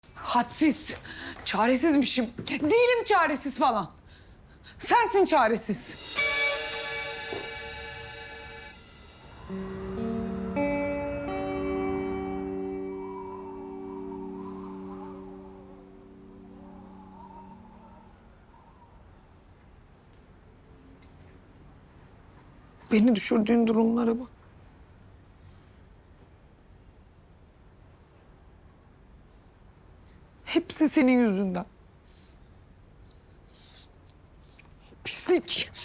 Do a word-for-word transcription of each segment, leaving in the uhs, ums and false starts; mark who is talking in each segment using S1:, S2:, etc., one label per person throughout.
S1: Hadsiz. Çaresizmişim. Değilim çaresiz falan. Sensin çaresiz. Beni düşürdüğün durumlara bak. Hepsi senin yüzünden. Pislik.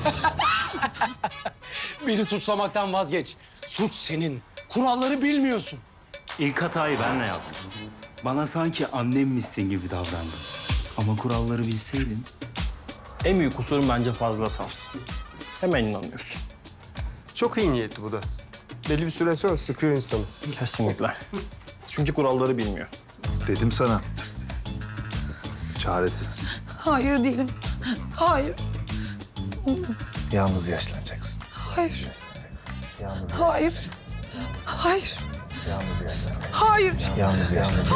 S2: Beni suçlamaktan vazgeç. Suç senin. Kuralları bilmiyorsun.
S3: İlk hatayı ben de yaptım. Bana sanki annemmişsin gibi davrandın. Ama kuralları bilseydin.
S4: En büyük kusurun bence fazla safsın. Hemen inanıyorsun.
S5: Çok iyi niyetli bu da. Belli bir süre sonra sıkıyor insanı.
S4: Kesinlikle. Çünkü kuralları bilmiyor.
S6: Dedim sana. Çaresizsin.
S1: Hayır değilim. Hayır.
S6: Yalnız yaşlanacaksın.
S1: Hayır.
S6: Yalnız,
S1: Hayır. Hayır.
S6: yalnız yaşlanacaksın.
S1: Hayır.
S6: Yalnız yaşlanacaksın.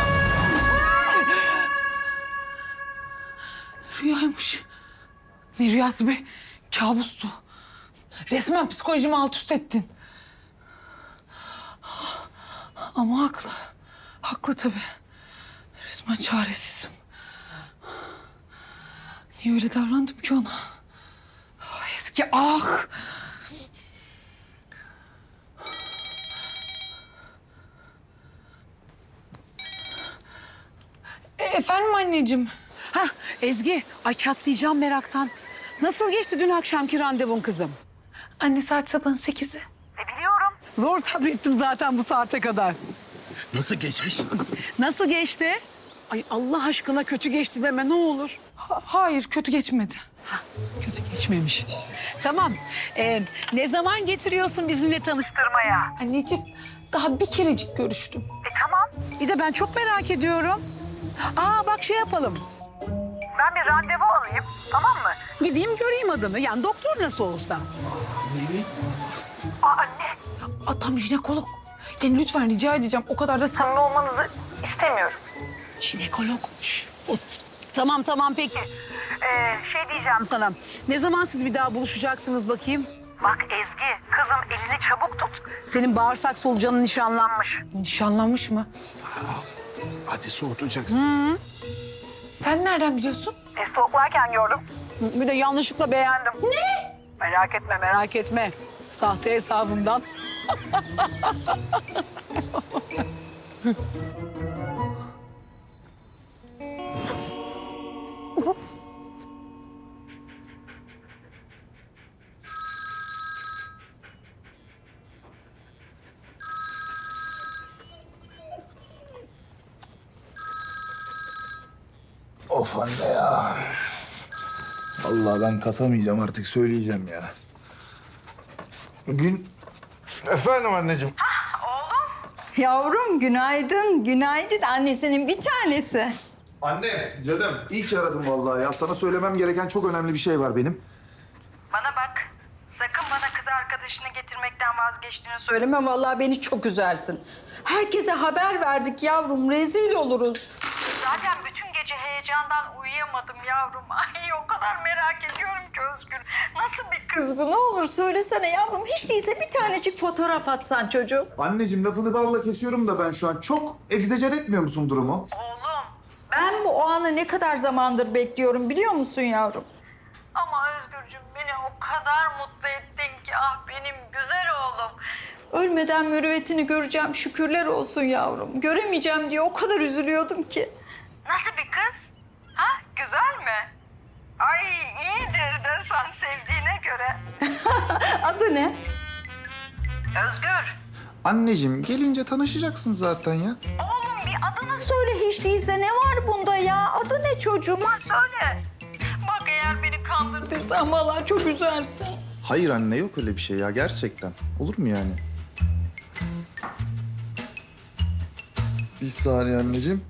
S1: Rüyaymış. Ne rüyası be? Kabustu. Resmen psikolojimi alt üst ettin. Ama haklı. Haklı tabii. Resmen çaresizim. Niye öyle davrandım ki ona? Ah, eski ah! E, efendim anneciğim?
S7: Hah Ezgi, ay çatlayacağım meraktan. Nasıl geçti dün akşamki randevun kızım?
S1: Anne saat sabahın sekizi.
S7: Zor sabrettim zaten bu saate kadar.
S2: Nasıl geçmiş?
S7: Nasıl geçti? Ay Allah aşkına kötü geçti deme ne olur.
S1: Ha- hayır kötü geçmedi.
S7: Kötü geçmemiş. Tamam. Ee, ne zaman getiriyorsun bizimle tanıştırmaya?
S1: Anneciğim daha bir kerecik görüştüm.
S7: Bir de ben çok merak ediyorum. Aa bak şey yapalım.
S8: Ben bir randevu alayım, tamam mı?
S7: Gideyim göreyim adamı. Yani doktor nasıl olsa.
S8: Aa anne,
S1: Adam jinekolog. Yani lütfen rica edeceğim o kadar da samimi ol.
S8: olmanızı istemiyorum.
S7: Jinekolog. Şş. Tamam tamam peki.
S8: Ee, şey diyeceğim,
S7: Sana. Ne zaman siz bir daha buluşacaksınız bakayım?
S8: bak Ezgi, kızım elini çabuk tut.
S7: Senin bağırsak solucanın nişanlanmış.
S1: Nişanlanmış mı?
S6: Hadi soğutacaksın.
S1: Sen nereden biliyorsun?
S8: E, stalklarken gördüm.
S7: Bir de yanlışlıkla beğendim.
S8: Ne? Merak etme, merak
S7: Merak etme. Sahte hesabından.
S6: Of anne ya. Vallahi ben kasamayacağım artık söyleyeceğim ya. Bugün... Efendim anneciğim.
S9: Yavrum günaydın, günaydın. Annesinin bir tanesi.
S6: Anne, canım. İyi ki aradım vallahi ya. Sana söylemem gereken çok önemli bir şey var benim.
S9: Bana bak, sakın bana kız arkadaşını getirmekten vazgeçtiğini söyleme. Vallahi beni çok üzersin. Herkese haber verdik yavrum, rezil oluruz.
S8: Zaten bütün gece heyecandan uyuyamadım yavrum. Ay o kadar merak ediyorum ki Özgür. Nasıl bir kız?
S9: Kız bu ne olur söylesene yavrum. Hiç değilse bir tanecik fotoğraf atsan çocuğum.
S6: Anneciğim lafını balla kesiyorum da ben şu an. Çok egzajer etmiyor musun durumu?
S8: Oğlum.
S9: Ben bu o anı ne kadar zamandır bekliyorum biliyor musun yavrum?
S8: Ama Özgürcüğüm beni o kadar mutlu ettin ki ah benim güzel oğlum.
S9: Ölmeden mürüvvetini göreceğim şükürler olsun yavrum. Göremeyeceğim diye o kadar üzülüyordum ki.
S8: Nasıl bir kız? Ha güzel mi? Ay iyidir de sen sevdiğine göre.
S9: Adı ne?
S8: Özgür.
S6: Anneciğim gelince tanışacaksın zaten ya.
S8: Oğlum bir adını
S9: Söyle hiç değilse ne var bunda ya? Adı ne çocuğum?
S8: söyle. Bak eğer beni kandırdın.
S9: Desem vallahi çok üzersin.
S6: Hayır anne yok öyle bir şey ya gerçekten. Olur mu yani? Bir saniye anneciğim.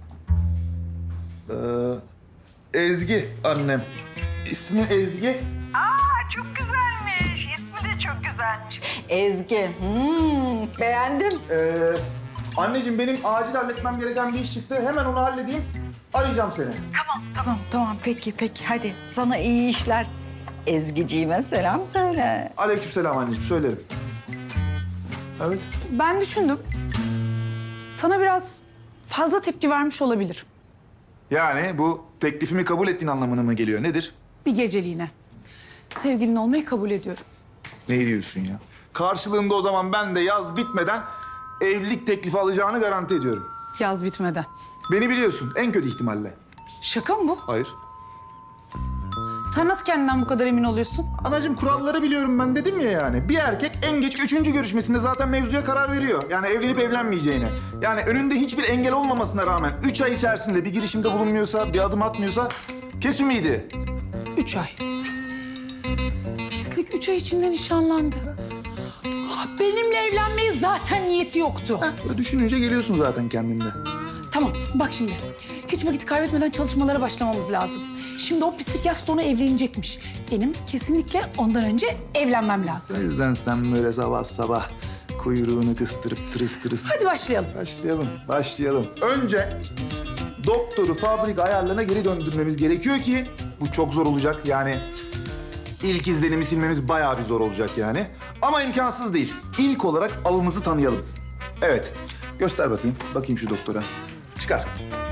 S6: Ee, Ezgi annem. İsmi Ezgi.
S8: Aa çok güzelmiş. İsmi de çok güzelmiş.
S9: Ezgi. Hmm, beğendim.
S6: Ee, Anneciğim benim acil halletmem gereken bir iş çıktı. Hemen onu halledeyim. Arayacağım seni.
S9: Tamam tamam tamam peki peki hadi sana iyi işler. Ezgiciğime selam söyle.
S6: Aleykümselam anneciğim söylerim. Evet.
S1: Ben düşündüm. Sana biraz fazla tepki vermiş olabilir.
S6: Yani bu teklifimi kabul ettiğin anlamına mı geliyor? Nedir?
S1: Bir geceliğine. Sevgilin olmayı kabul ediyorum.
S6: Ne diyorsun ya? Karşılığında o zaman ben de yaz bitmeden evlilik teklifi alacağını garanti ediyorum.
S1: Yaz bitmeden.
S6: Beni biliyorsun en kötü ihtimalle.
S1: Şaka mı bu?
S6: Hayır.
S1: Sen nasıl kendinden bu kadar emin oluyorsun?
S6: Anacığım kuralları biliyorum ben dedim ya yani. Bir erkek en geç üçüncü görüşmesinde zaten mevzuya karar veriyor. Yani evlenip evlenmeyeceğine. Yani önünde hiçbir engel olmamasına rağmen üç ay içerisinde bir girişimde bulunmuyorsa, bir adım atmıyorsa kes ümidi.
S1: Üç ay. Pislik üç ay içinde nişanlandı. Ah, benimle evlenmeye zaten niyeti yoktu.
S6: Böyle düşününce geliyorsun zaten kendinde.
S1: Tamam bak şimdi. Hiç vakit kaybetmeden çalışmalara başlamamız lazım. Şimdi o pislik yaz sonu evlenecekmiş. Benim kesinlikle ondan önce evlenmem
S6: O
S1: lazım.
S6: yüzden sen böyle sabah sabah kuyruğunu kıstırıp tırıs tırıs...
S1: Hadi başlayalım.
S6: Başlayalım, başlayalım. Önce doktoru fabrika ayarlarına geri döndürmemiz gerekiyor ki bu çok zor olacak. Yani ilk izlenimi silmemiz bayağı bir zor olacak yani. Ama imkansız değil. İlk olarak avımızı tanıyalım. Evet, göster bakayım. Bakayım şu doktora. Çıkar.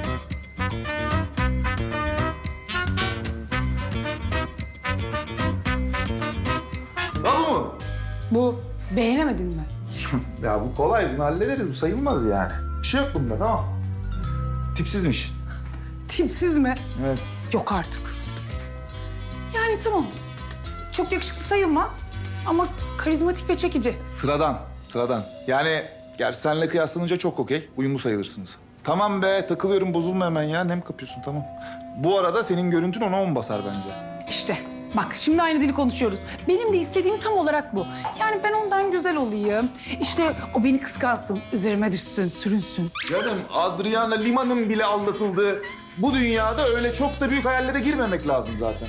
S6: Al bu mu?
S1: Bu beğenemedin mi?
S6: Ya bu kolay, bunu hallederiz. Bu sayılmaz yani. Bir şey yok bunda, tamam. Tipsizmiş.
S1: Tipsiz mi?
S6: Evet.
S1: Yok artık. Yani tamam. Çok yakışıklı sayılmaz ama karizmatik ve çekici.
S6: Sıradan, sıradan. Yani gerçi seninle kıyaslanınca çok okey. Uyumlu sayılırsınız. Tamam be, takılıyorum. Bozulma hemen ya. Nem kapıyorsun, tamam. Bu arada senin görüntün ona on basar bence.
S1: İşte bak şimdi aynı dili konuşuyoruz. Benim de istediğim tam olarak bu. Yani ben ondan güzel olayım. İşte o beni kıskansın, üzerime düşsün, sürünsün.
S6: Canım, Adriana Lima'nın bile aldatıldığı bu dünyada öyle çok da büyük hayallere girmemek lazım zaten.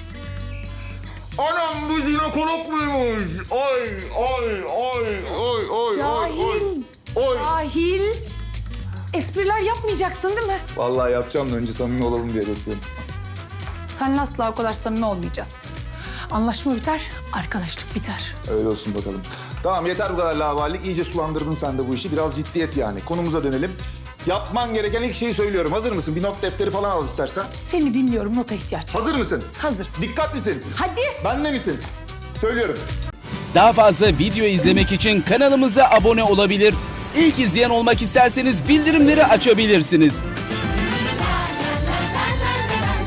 S6: Anam bu jinekolog muymuş? Ay, ay, ay, ay, ay,
S1: Cahil,
S6: Oy.
S1: cahil. Espriler yapmayacaksın değil mi?
S6: Vallahi yapacağım da önce samimi olalım diye bekliyorum.
S1: Seninle asla o kadar samimi olmayacağız. Anlaşma biter, arkadaşlık biter.
S6: Öyle olsun bakalım. Tamam yeter bu kadar lavallik. İyice sulandırdın sen de bu işi. Biraz ciddiyet yani. Konumuza dönelim. Yapman gereken ilk şeyi söylüyorum. Hazır mısın? Bir not defteri falan al istersen.
S1: Seni dinliyorum, nota ihtiyaç var.
S6: Hazır mısın?
S1: Hazır.
S6: Dikkat misin?
S1: Hadi.
S6: Benle misin? Söylüyorum.
S10: Daha fazla video izlemek için kanalımıza abone olabilir. İlk izleyen olmak isterseniz bildirimleri açabilirsiniz.